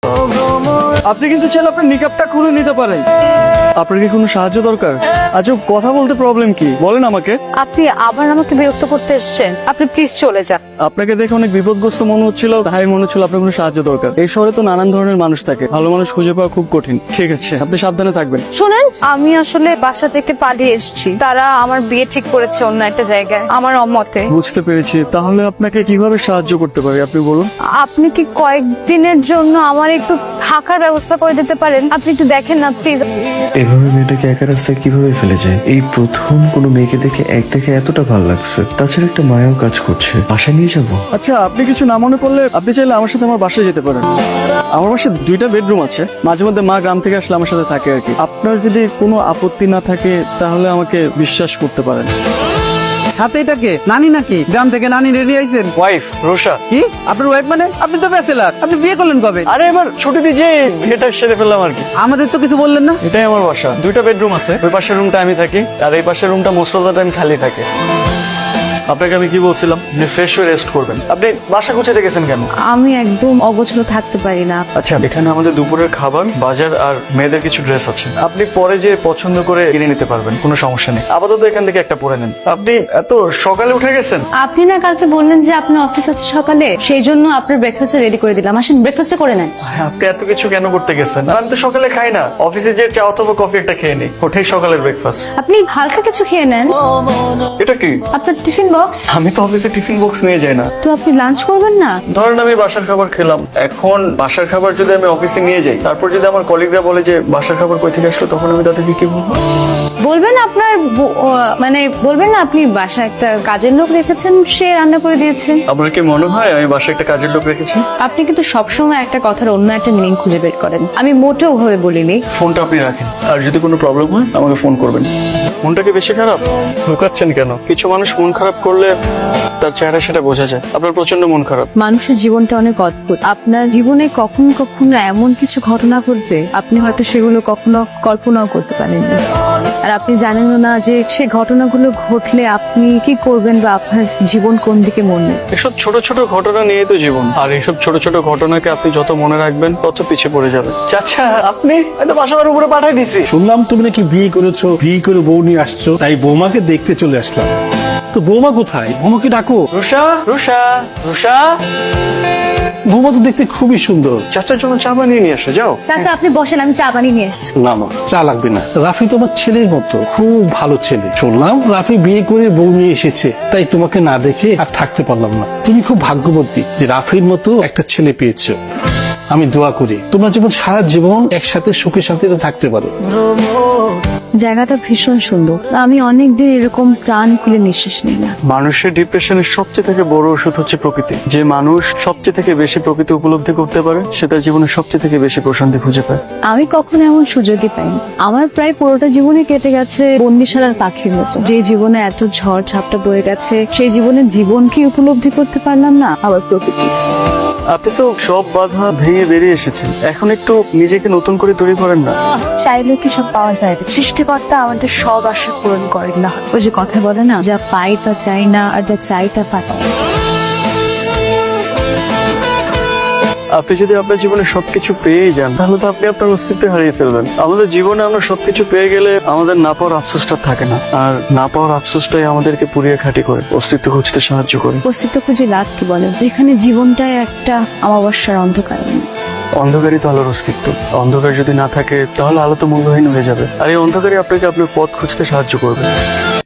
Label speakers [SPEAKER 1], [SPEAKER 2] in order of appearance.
[SPEAKER 1] আপনি কিন্তু চাইলে আপনার নিকাবটা খুলে নিতে পারেন। আপনার কি কোনো সাহায্য দরকার? আচ্ছা, কথা বলতে প্রবলেম কি বলেন আমাকে।
[SPEAKER 2] আপনি আবার আমাকে বিরক্ত করতে এসেছেন, আপনি প্লিজ চলে যান।
[SPEAKER 1] আপনাকে দেখে অনেক বিপদগ্রস্ত মনে হচ্ছিল, তাই মনে হচ্ছিল আপনার কোনো সাহায্য দরকার। এই শহরে তো নানান ধরনের মানুষ থাকে, ভালো মানুষ খুঁজে পাওয়া খুব কঠিন। ঠিক আছে, আপনি সাবধানে থাকবেন।
[SPEAKER 2] শোনেন, আমি আসলে বাসা থেকে পালিয়ে এসেছি। তারা আমার বিয়ে ঠিক করেছে অন্য একটা জায়গায়, আমার অমতে।
[SPEAKER 1] বুঝতে পেরেছি। তাহলে আপনাকে কিভাবে সাহায্য করতে পারি আপনি বলুন।
[SPEAKER 2] আপনি কি কয়েকদিনের জন্য আমার একটু থাকার ব্যবস্থা করে দিতে পারেন? আপনি একটু দেখেন না প্লিজ।
[SPEAKER 3] এভাবে মেয়েটাকে একা রাস্তায় কিভাবে ফেলে যায়? এই প্রথম কোনো মেয়েকে দেখে দেখে এতটা ভালো লাগছে। তাছাড়া একটা মায়াও কাজ করছে। বাসায় নিয়ে যাবো।
[SPEAKER 1] আচ্ছা, আপনি কিছু না মনে করলে আপনি চাইলে আমার সাথে আমার বাসায় যেতে পারেন। আমার বাসায় 2টা বেডরুম আছে। মাঝে মধ্যে মা গ্রাম থেকে আসলে আমার সাথে থাকে আর কি। আপনার যদি কোনো আপত্তি না থাকে তাহলে আমাকে বিশ্বাস করতে পারেন।
[SPEAKER 4] হাতে এটাকে নানি নাকি? গ্রাম থেকে নানি রেডি আইছেন?
[SPEAKER 1] ওয়াইফ রোশা।
[SPEAKER 4] কি আপনার ওয়াইফ মানে? আপনি তো ব্যাচেলার, আপনি বিয়ে করলেন কবে?
[SPEAKER 1] আরে এবার ছুটি দিয়ে যে এটা সেরে ফেললাম আর কি।
[SPEAKER 4] আমাদের তো কিছু বললেন না।
[SPEAKER 1] এটাই আমার বাসা। 2টা বেডরুম আছে। ওই পাশের রুমটা আমি থাকি, আর এই পাশের রুমটা মোস্ট অফ দ্য টাইম খালি থাকে। আপনাকে আমি কি বলছিলাম, আপনি ফ্রেশ হয়ে রেস্ট করবেন। আপনি বাসা গুছিয়ে গেছেন কেন?
[SPEAKER 2] আমি একদম অগোছলো থাকতে পারি না।
[SPEAKER 1] আচ্ছা, এখানে আমাদের দুপুরের খাবার, বাজার আর মেয়েদের কিছু ড্রেস আছে। আপনি পরে যে পছন্দ করে কিনে নিতে পারবেন, কোনো সমস্যা নেই। আপাতত এখান থেকে একটা পরে নেন। আপনি এত সকালে উঠে গেছেন?
[SPEAKER 2] আপনি না কালকে বললেন যে আপনার অফিস আছে সকালে, সেই জন্য আপনার ব্রেকফাস্ট রেডি করে দিলাম। আসেন ব্রেকফাস্ট করে নেন।
[SPEAKER 1] আপনি এত কিছু কেন করতে গেছেন? আর আমি তো সকালে খাই না। অফিসে যে চা অথবা কফি একটা খেয়ে নিই, ওটাই সকালের ব্রেকফাস্ট।
[SPEAKER 2] আপনি হালকা কিছু খেয়ে নেন।
[SPEAKER 1] এটা কি?
[SPEAKER 2] আপনার টিফিন বক্স।
[SPEAKER 1] আমি তো অফিসে টিফিন বক্স নিয়ে যাই না।
[SPEAKER 2] তো আপনি লাঞ্চ করবেন না?
[SPEAKER 1] ধরেন আমি বাসার খাবার খেলাম, এখন বাসার খাবার যদি আমি অফিসে নিয়ে যাই, তারপর যদি আমার কলিগরা বলে যে বাসার খাবার কই থেকে আসলো, তখন আমি তাদেরকে কি বলবো?
[SPEAKER 2] বলবেন আপনার মানে বলবেন না আপনি বাসায় একটা কাজের লোক রেখেছেন, সে রান্না করে দিয়েছে।
[SPEAKER 1] আপনার কি মনে হয় আমি বাসায় একটা কাজের লোক রেখেছি?
[SPEAKER 2] আপনি কিন্তু সবসময় একটা কথার অন্য একটা মিনিং খুঁজে বের করেন। আমি মোটেও ভাবে বলিনি।
[SPEAKER 1] ফোনটা আপনি রাখেন, আর যদি কোনো প্রবলেম হয় আমাকে ফোন করবেন। মনটা কি বেশি খারাপ? লুকাচ্ছেন কেন? কিছু মানুষ মন খারাপ করলে তার চেহারা সেটা বোঝা যায়। আপনার প্রচন্ড মন খারাপ।
[SPEAKER 2] মানুষের জীবনটা অনেক অদ্ভুত। আপনার জীবনে কখনো কখনো এমন কিছু ঘটনা ঘটবে, আপনি হয়তো সেগুলো কখনো কল্পনাও করতে পারেননি। আর আপনি জানেন না যে সে ঘটনাগুলো ঘটলে আপনি কি করবেন বা আপনার জীবন কোন দিকে মন নেবে।
[SPEAKER 1] এসব ছোট ছোট ঘটনা নিয়ে তো জীবন, আর এইসব ছোট ছোট ঘটনাকে আপনি যত মনে রাখবেন তত পিছিয়ে পড়ে যাবে। চাচা, আপনি হয়তো বাসার উপরে পাঠাই দিছি।
[SPEAKER 5] শুনলাম তুমি নাকি বিয়ে করেছো, বিয়ে করে বউ নিয়ে আসছো, তাই বৌমাকে দেখতে চলে আসলাম। তো বৌমা কোথায়? বৌমাকে ডাকো।
[SPEAKER 1] রুষা, রুষা, রুষা।
[SPEAKER 5] বৌমা তো দেখতে খুবই সুন্দর।
[SPEAKER 1] চাচার জন্য চা বানিয়ে নিয়ে আসো, যাও।
[SPEAKER 2] চাচা আপনি বসেন, আমি চা বানিয়ে নিয়ে আসছি।
[SPEAKER 5] না না, চা লাগবে না। রাফি তোমার ছেলের মতো, খুব ভালো ছেলে। শুনলাম রাফি বিয়ে করে বউ নিয়ে এসেছে, তাই তোমাকে না দেখে আর থাকতে পারলাম না। তুমি খুব ভাগ্যবতী যে রাফির মতো একটা ছেলে পেয়েছো। আমি দোয়া করি তোমরা যেমন সারা জীবন একসাথে সুখে শান্তিতে থাকতে পারো।
[SPEAKER 2] জায়গাটা ভীষণ সুন্দর। আমি অনেকদিন এরকম প্রাণ খুলে নিঃশ্বাস নিই না।
[SPEAKER 1] মানুষের ডিপ্রেশনের সবচেয়ে থেকে বড় ওষুধ হচ্ছে প্রকৃতি। যে মানুষ সবচেয়ে থেকে বেশি প্রকৃতি উপলব্ধি করতে পারে, সে তার জীবনে সবচেয়ে থেকে বেশি প্রশান্তি খুঁজে পায়।
[SPEAKER 2] আমি কখনো এমন সুযোগই পাইনি। আমার প্রায় পুরোটা জীবনে কেটে গেছে বন্দিশালার পাখির মতো। যে জীবনে এত ঝড় ঝাপটা বয়ে গেছে, সেই জীবনে জীবনকে উপলব্ধি করতে পারলাম না, আবার প্রকৃতি।
[SPEAKER 1] আপনি তো সব বাধা ভেঙে বেরিয়ে এসেছেন, এখন একটু নিজেকে নতুন করে তৈরি করেন না।
[SPEAKER 2] চাইলে কি সব পাওয়া যায় না? সৃষ্টিকর্তা আমাদের সব আশা পূরণ করেন না। ওই যে কথা বলে না, যা পাই তা চাই না, আর যা চাই তা পাই।
[SPEAKER 1] আপনি যদি আপনার জীবনে সবকিছু পেয়ে যান, তাহলে তো আপনি আপনার অস্তিত্ব হারিয়ে ফেলবেন। আমাদের জীবনে আমরা সবকিছু পেয়ে গেলে আমাদের না পাওয়ার আফসোসটা থাকে না, আর না পাওয়ার আফসোসটাই আমাদেরকে পুড়িয়ে খাঁটি করে অস্তিত্ব খুঁজতে সাহায্য করে।
[SPEAKER 2] অস্তিত্ব খুঁজে লাভ কি বলেন, যেখানে জীবনটাই একটা অমাবস্যার অন্ধকার।
[SPEAKER 1] অন্ধকারই তো আলোর অস্তিত্ব। অন্ধকার যদি না থাকে তাহলে আলো তো মূল্যহীন হয়ে যাবে, আর এই অন্ধকারই আপনাকে আপনার পথ খুঁজতে সাহায্য করবে।